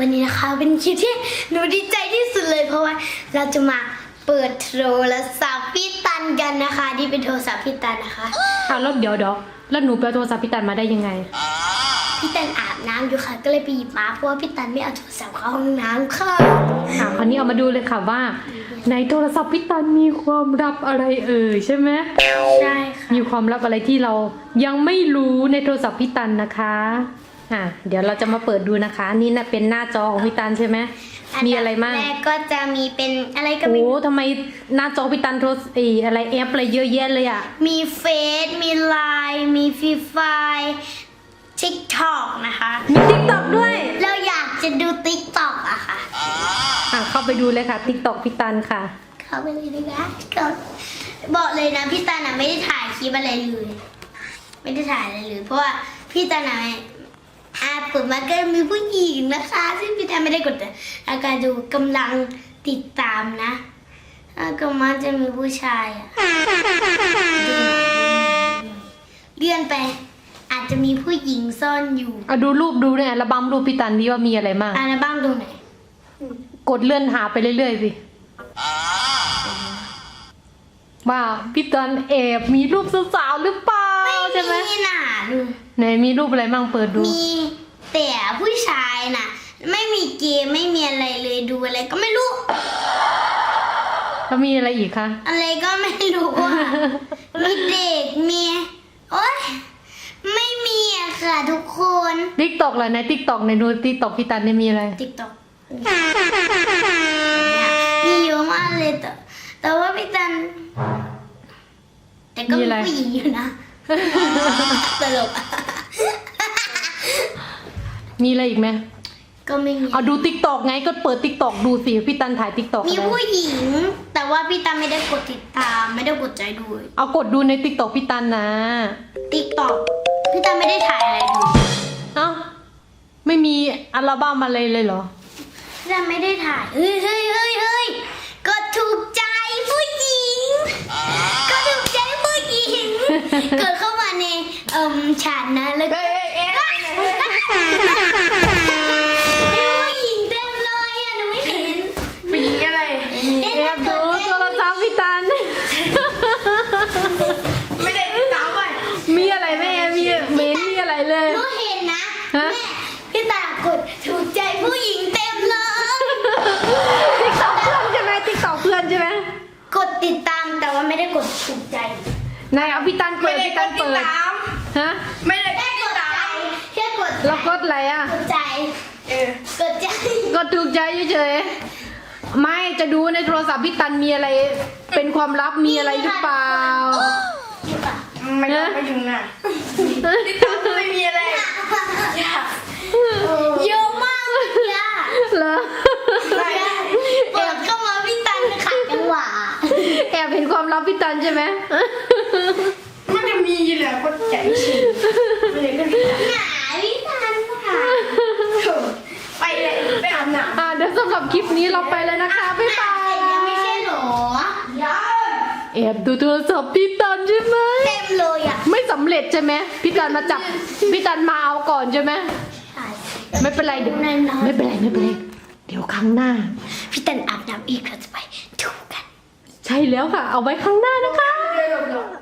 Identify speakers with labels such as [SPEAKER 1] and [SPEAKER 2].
[SPEAKER 1] วันนี้นะคะเป็นคลิปที่หนูดีใจที่สุดเลยเพราะว่าเราจะมาเปิดโทรศัพท์พี่ตันกันนะคะที่เป็นโทรศัพท์พี่ตันนะคะ
[SPEAKER 2] แล้วเดี๋ยวแล้วหนูไปเอาโทรศัพท์พี่ตันมาได้ยังไง
[SPEAKER 1] พี่ตันอาบน้ำอยู่ค่ะก็เลยไปหยิบมาเพราะว่าพี่ตันไม่เอาโทรศัพท์เข้าห้องน้ำค่ะ
[SPEAKER 2] คราวนี้เอามาดูเลยค่ะว่าในโทรศัพท์พี่ตันมีความลับอะไรใช่ไหม
[SPEAKER 1] ใช่ค่ะ
[SPEAKER 2] มีความลับอะไรที่เรายังไม่รู้ในโทรศัพท์พี่ตันนะคะเดี๋ยวเราจะมาเปิดดูนะคะนี่นะเป็นหน้าจอของพี่ตันใช่ไหมมีอะไรมั่ง
[SPEAKER 1] แรกก็จะมีเป็นอะไรก็ไม่
[SPEAKER 2] โอ้
[SPEAKER 1] รู้
[SPEAKER 2] ทำไมหน้าจอพี่ตันโทรอะไรแอปอะไรเยอะแยะเลยอ่ะ
[SPEAKER 1] มีเฟซมีไลน์มีฟรีไฟทิกตอกนะคะ
[SPEAKER 2] มีติ๊กต็อกด้วย
[SPEAKER 1] เราอยากจะดูติ๊กตอกอะค่ะ
[SPEAKER 2] เข้าไปดูเลยค่ะติ๊กต็อกพี่ตันค่ะ
[SPEAKER 1] เข้าไปเลยนะคะก็บอกเลยนะพี่ตันอะไม่ได้ถ่ายคลิปอะไรเลยไม่ได้ถ่ายอะไรเลยเพราะว่าพี่ตันอะเปิดมาก็มีผู้หญิงนะคะซึ่งพี่ตันไม่ได้กดอาการดูกำลังติดตามนะก็มันจะมีผู้ชายอะเลื่อนไปอาจจะมีผู้หญิงซ่อนอยู่
[SPEAKER 2] ดูรูปดูเนี่ยอัลบั้มรูปพี่ตันดีว่ามีอะไรบ้าง
[SPEAKER 1] อัลบั้มตรงไหน
[SPEAKER 2] กดเลื่อนหาไปเรื่อยๆสิว่าพี่ตันแอบมีรูปสาวๆหรือเปล่าใช่ไหม
[SPEAKER 1] มีหนาดู
[SPEAKER 2] ไหนมีรูปอะไรบ้างเปิดดู
[SPEAKER 1] มีแต่ผู้ชายน่ะ ไม่มีเกมไม่มีอะไรเลยดูอะไรก็ไม่รู้
[SPEAKER 2] แล้วมีอะไรอีกคะ
[SPEAKER 1] อะไรก็ไม่รู้อ่ะ มีเด็กมีโอ๊ยไม่มีอะค่ะทุกคน
[SPEAKER 2] ติ๊กต็อกเหรอในติ๊กต็อกในดูติ๊กต็อกพี่ตันเนี่ยมีอะไร
[SPEAKER 1] ติ๊กต็อกมีเยอะมากเลยแต่ว่าพี่ตัน แต่ก็มีผู้หญิงอยู่นะตลก
[SPEAKER 2] มีอะไรอีกไหม
[SPEAKER 1] ก็ไม่มี
[SPEAKER 2] เอาดูติ๊กต็อกไงก็เปิดติ๊กต็อกดูสิพี่ตันถ่ายติ๊กต็อก
[SPEAKER 1] มีผู้หญิง แต่ว่าพี่ตันไม่ได้กดติดตามไม่ได้กดใจดู
[SPEAKER 2] เอากดดูในติ๊กต็อกพี่ตันนะ
[SPEAKER 1] ติ๊กต็อกพี่ตันไม่ได้ถ่ายอะไรดู
[SPEAKER 2] เอ้าไม่มีอัลบั้มอะไรเลยเหรอ
[SPEAKER 1] พี่ตันไม่ได้ถ่ายเฮ้ยกดถูกใจผู้หญิงกดถูกใจผู้หญิงกดเข้ามาในฉากนะแล้วก็ผู้หญิงเต็มเลยอ่ะหนูไม่เห็น
[SPEAKER 3] ผู้หญิงอะไร
[SPEAKER 2] แอบดูโทรศัพท์พี่ตัน
[SPEAKER 3] ไม่ได้ติดตามไป
[SPEAKER 2] มีอะไรแม่มีเมนมีอะไรเลย
[SPEAKER 1] หนูเห็นนะ
[SPEAKER 2] ฮะ
[SPEAKER 1] แม่พี่ตากดถูกใจผู้หญิงเต็มเลย
[SPEAKER 2] ติ๊กต็อกเพื่อนใช่ไหมติ๊กต็อกเพื่อนใช่ไหม
[SPEAKER 1] กดติดตามแต่ว่าไม่ได้กดถูกใจ
[SPEAKER 2] นายเอาพี่ตันเปิ
[SPEAKER 3] ไม่
[SPEAKER 2] ด
[SPEAKER 3] ได้
[SPEAKER 2] พี่
[SPEAKER 3] ก
[SPEAKER 2] ตั
[SPEAKER 3] ด
[SPEAKER 2] น
[SPEAKER 3] ติด
[SPEAKER 2] เปิด
[SPEAKER 3] ตาม
[SPEAKER 2] ฮะ
[SPEAKER 3] ไม่ได้
[SPEAKER 1] แค่
[SPEAKER 3] ติ
[SPEAKER 1] ก
[SPEAKER 3] ด
[SPEAKER 1] ดใจ
[SPEAKER 3] ตาม
[SPEAKER 1] แค่กด
[SPEAKER 2] แล้วกดอะไรอ่ะ
[SPEAKER 1] กดใจ
[SPEAKER 3] เออก
[SPEAKER 1] ดใจ
[SPEAKER 2] ก็ถูกใจเฉยๆไม่จะดูในโทรศัพท์พี่ตันมีอะไร เป็นความลับมีอะไรหรือเปล่า
[SPEAKER 1] นี่ป่ะ
[SPEAKER 3] ไม่ต้องไปถึงน่ะติดตามไม่มีอะไรอยาก
[SPEAKER 1] เยอะมากเลยอะ
[SPEAKER 2] เหรอ
[SPEAKER 1] เปิดเข้ามาพี่ตันขัดจังหวะ
[SPEAKER 2] แอบเห็นความลับพี่ตันใช่ไหม
[SPEAKER 3] มันจะมีแหละคนใจชื้นไม่ได้ก็ติดตาม
[SPEAKER 1] หนาพี่ตันค่ะ
[SPEAKER 3] ไปเลยไปอาบน้ำ
[SPEAKER 2] เดี๋ยวสำหรับคลิปนี้เราไปเลยนะคะบ๊ายบาย
[SPEAKER 1] ยังไม่ใช่หรอ
[SPEAKER 3] ยัง
[SPEAKER 2] แอบดูโทรศัพท์พี่ตันใช่ไหม
[SPEAKER 1] เต็มเลยอ่ะ
[SPEAKER 2] ไม่สำเร็จใช่ไหมพี่ตันมาจับพี่ตันมาเอาก่อนใช่ไหมไม่เป็นไรเดี๋ยวไม่เป็นไรเดี๋ยวครั้งหน้า
[SPEAKER 1] พี่ตันอาบน้ำอีกเราจะไปดูกัน
[SPEAKER 2] ใช่แล้วค่ะ เอาไว้ครั้งหน้านะคะ
[SPEAKER 3] เดี๋ยว